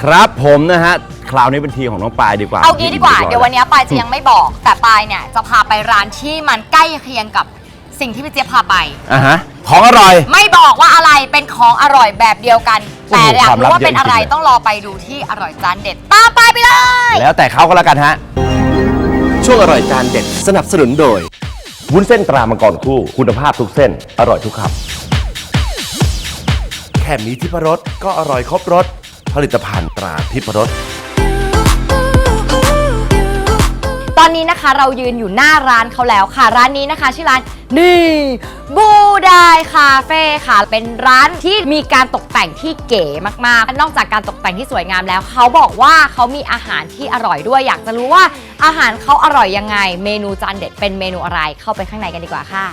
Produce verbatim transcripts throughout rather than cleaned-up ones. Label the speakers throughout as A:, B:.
A: ครับผมนะฮะคราวนี้เป็นทีของน้องปายดีกว่า
B: เอางี้ดีกว่าเดี๋ยววันนี้ปายจะยังไม่บอกแต่ปายเนี่ยจะพาไปร้านที่มันใกล้เคียงกับสิ่งที่พี่เจี๊ยบพาไป
A: อ่ะฮะของอร่อย
B: ไม่บอกว่าอะไรเป็นของอร่อยแบบเดียวกันแต่อยากรู้ว่าเป็นอะไรต้องรอไปดูที่อร่อยจานเด็ดตามไปไปเลย
A: แล้วแต่เขาก็แล้วกันฮะช่วงอร่อยจานเด็ดสนับสนุนโดยวุ้นเส้นตรามังกรคู่คุณภาพทุกเส้นอร่อยทุกคำแค่มีทิพรสก็อร่อยครบรสผลิตภัณฑ์ตราทิพรส
B: ตอนนี้นะคะเรายืนอยู่หน้าร้านเขาแล้วค่ะร้านนี้นะคะชื่อร้านนี่บูไดคาเฟ่ค่ะเป็นร้านที่มีการตกแต่งที่เก๋มากๆนอกจากการตกแต่งที่สวยงามแล้วเขาบอกว่าเขามีอาหารที่อร่อยด้วยอยากจะรู้ว่าอาหารเขาอร่อยยังไงเมนูจานเด็ดเป็นเมนูอะไรเข้าไปข้างในกันดีกว่าค่ะ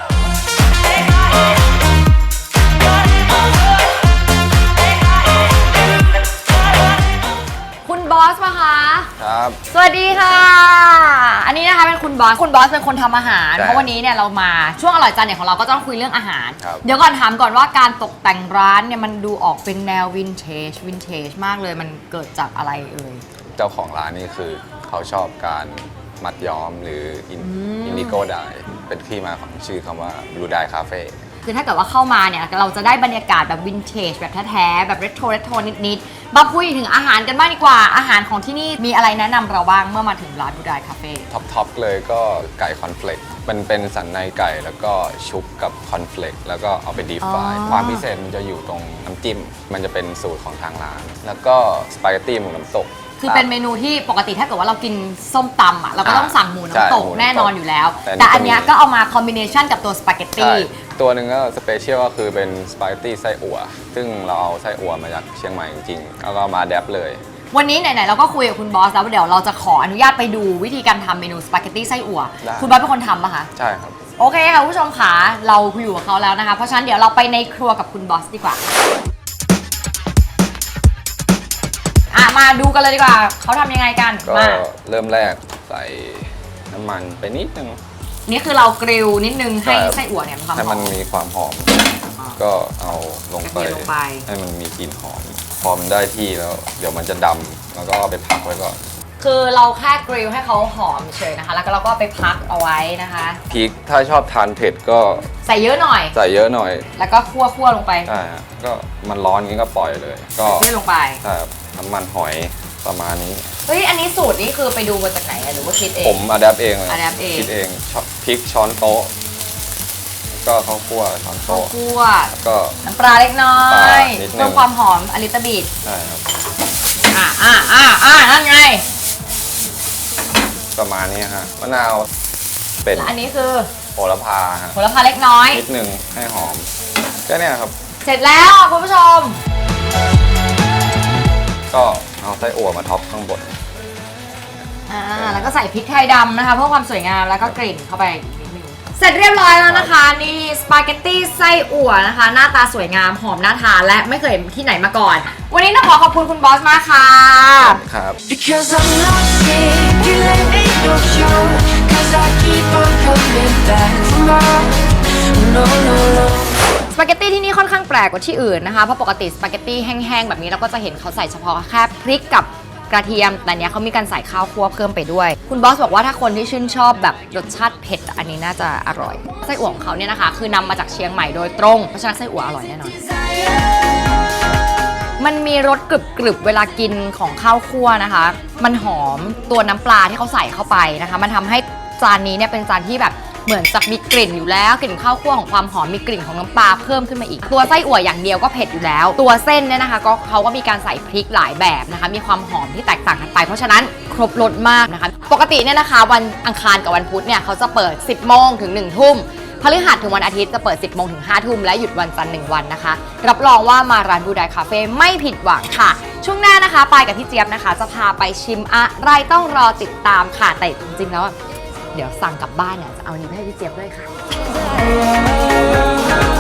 B: คุณบอสป่ะคะ
C: ครับ
B: สวัสดีค่ะอันนี้นะคะเป็นคุณบอสคุณบอสเป็นคนทำอาหารเพราะวันนี้เนี่ยเรามาช่วงอร่อยจานเด็ดของเราก็ต้องคุยเรื่องอาหารเดี๋ยวก่อนถามก่อนว่าการตกแต่งร้านเนี่ยมันดูออกเป็นแนววินเทจวินเทจมากเลยมันเกิดจากอะไรเอ่ย
C: เจ้าของร้านนี่คือเขาชอบการมัดย้อมหรืออินดิโกไดเป็นที่มาของชื่อคำว่าบลูไดคาเฟ่
B: คือถ้าเกิดว่าเข้ามาเนี่ยเราจะได้บรรยากาศแบบวินเทจแบบแท้ๆแบบเรโทรเรโทรนิดๆมาคุยถึงอาหารกันบ้างดีกว่าอาหารของที่นี่มีอะไรแนะนำเราบ้างเมื่อมาถึงร้านบูไดคาเฟ่
C: ท็อปท็อปเลยก็ไก่คอนเฟลกมันเป็นสันในไก่แล้วก็ชุบกับคอนเฟลกแล้วก็เอาไปดีฟรายความพิเศษมันจะอยู่ตรงน้ำจิ้มมันจะเป็นสูตรของทางร้านแล้วก็สปาเกตตี้หมูน้ำตก
B: คือเป็นเมนูที่ปกติถ้าเกิดว่าเรากินส้มตำอ่ะเราก็ต้องสั่งหมูน้ำตกแน่นอนอยู่แล้วแต่อันนี้ก็เอามาคอมบิเนชันกับตัวสปาเกตตี้
C: ตัวหนึ่งก็สเปเชียลก็คือเป็นสปาเกตตี้ไส้อั่วซึ่งเราเอาไส้อั่วมาจากเชียงใหม่จริงๆแล้วก็มาแดปเลย
B: วันนี้ไหนๆเราก็คุยกับคุณบอสแล้วเดี๋ยวเราจะขออนุญาตไปดูวิธีการทำเมนูสปาเกตตี้ไส้อั่วคุณบอสเป็นคนทำป่ะคะ
C: ใช่ครับ
B: โอเคค่ะผู้ชมค่ะเราอยู่กับเขาแล้วนะคะเพราะฉะนั้นเดี๋ยวเราไปในครัวกับคุณบอสดีกว่ามาดูกันเลยดีกว่าเขาทำยังไงกัน
C: ก็เริ่มแรกใส่น้ำมันไปนิดนึง
B: นี่คือเรากริลนิดนึงให้ไส้อั่วเนี่ยมัน
C: ให้มันมีความหอมก็เอาลงไปให้มันมีกลิ่นหอมพอมันได้ที่แล้วเดี๋ยวมันจะดำแล้วก็เอาไปพักไว้ก่อน
B: คือเราแค่กริลให้เขาหอมเฉยนะคะแล้วก็เราก็ไปพักเอาไว้นะคะ
C: พริกถ้าชอบทานเผ็ดก็
B: ใส่เยอะหน่อย
C: ใส่เยอะหน่อย
B: แล้วก็คั่วคั่วลงไป
C: ใช่ก็มันร้อนงี้ก็ปล่อยเลยก็
B: เทลงไป
C: ใช่น้ำมันหอยประมาณนี้
B: เฮ้ยอันนี้สูตรนี้คือไปดูมาจากไหนหรือว่าคิดเอง
C: ผมอะแดปเองเลย
B: อะแดปเอง
C: คิดเองพริกช้อนโต๊ะก็ข้าวคั่วช้อนโต๊ะ
B: คั่ว
C: ก็
B: น้ำปลาเล็กน้อยเพิ่มความหอมอลิตาบิด
C: ใช่ครับ
B: อ่าอ่าอ่าอ่านั่นไง
C: ประมาณนี้ฮะมะนาวเป็น
B: อันนี้คือ
C: โหระพาฮะ
B: โหระพาเล็กน้อย
C: นิดนึงให้หอมก็เนี่ยครับ
B: เสร็จแล้วคุณผู้ชม
C: ก็เอาไส้อั่วมาท็อปข้างบน
B: อ่าแล้วก็ใส่พริกไทยดำนะคะเพื่อความสวยงามแล้วก็กลิ่นเข้าไปอีกนิดนึงเสร็จเรียบร้อยแล้วนะคะนี่สปาเกตตี้ไส้อั่วนะคะหน้าตาสวยงามหอมน่าทานและไม่เคยเห็นที่ไหนมาก่อนวันนี้ต้องขอขอบคุณคุณบอสมากค่ะ
C: ครับ
B: สปาเกตตี้ที่นี่ค่อนข้างแปลกกว่าที่อื่นนะคะเพราะปกติสปาเกตตี้แห้งๆแบบนี้เราก็จะเห็นเขาใส่เฉพาะแค่พริกกับกระเทียมแต่เนี้ยเขามีการใส่ข้าวคั่วเพิ่มไปด้วยคุณบอสบอกว่าถ้าคนที่ชื่นชอบแบบรสชาติเผ็ดอันนี้น่าจะอร่อยไส้อั่วของเขาเนี่ยนะคะคือนำมาจากเชียงใหม่โดยตรงเพราะฉะนั้นไส้อั่วอร่อยแน่นอนมันมีรสกรึบๆเวลากินของข้าวคั่วนะคะมันหอมตัวน้ำปลาที่เขาใส่เข้าไปนะคะมันทำให้จานนี้เนี่ยเป็นจานที่แบบเหมือนจะมีกลิ่นอยู่แล้วกลิ่นข้าวคั่วของความหอมมีกลิ่นของน้ำปลาเพิ่มขึ้นมาอีกตัวไส้อั่วอย่างเดียวก็เผ็ดอยู่แล้วตัวเส้นเนี่ยนะคะก็เขาก็มีการใส่พริกหลายแบบนะคะมีความหอมที่แตกต่างกันไปเพราะฉะนั้นครบรสมากนะคะปกติเนี่ยนะคะวันอังคารกับวันพุธเนี่ยเขาจะเปิดสิบโมงถึงหนึ่งทุ่มพฤหัสถึงวันอาทิตย์จะเปิดสิบโมงถึงห้าทุ่มและหยุดวันจันทร์หนึ่งวันนะคะรับรองว่ามาร้านบูไดคาเฟ่ไม่ผิดหวังค่ะช่วงหน้านะคะปายกับพี่เจี๊ยบนะคะจะพาไปชิมอะไรต้องรอติดตามค่ะแต่จริงๆแล้วเดี๋ยวสั่งกลับบ้านเนี่ยจะเอาอันนี้ให้พี่เจี๊ยบด้วยค่ะ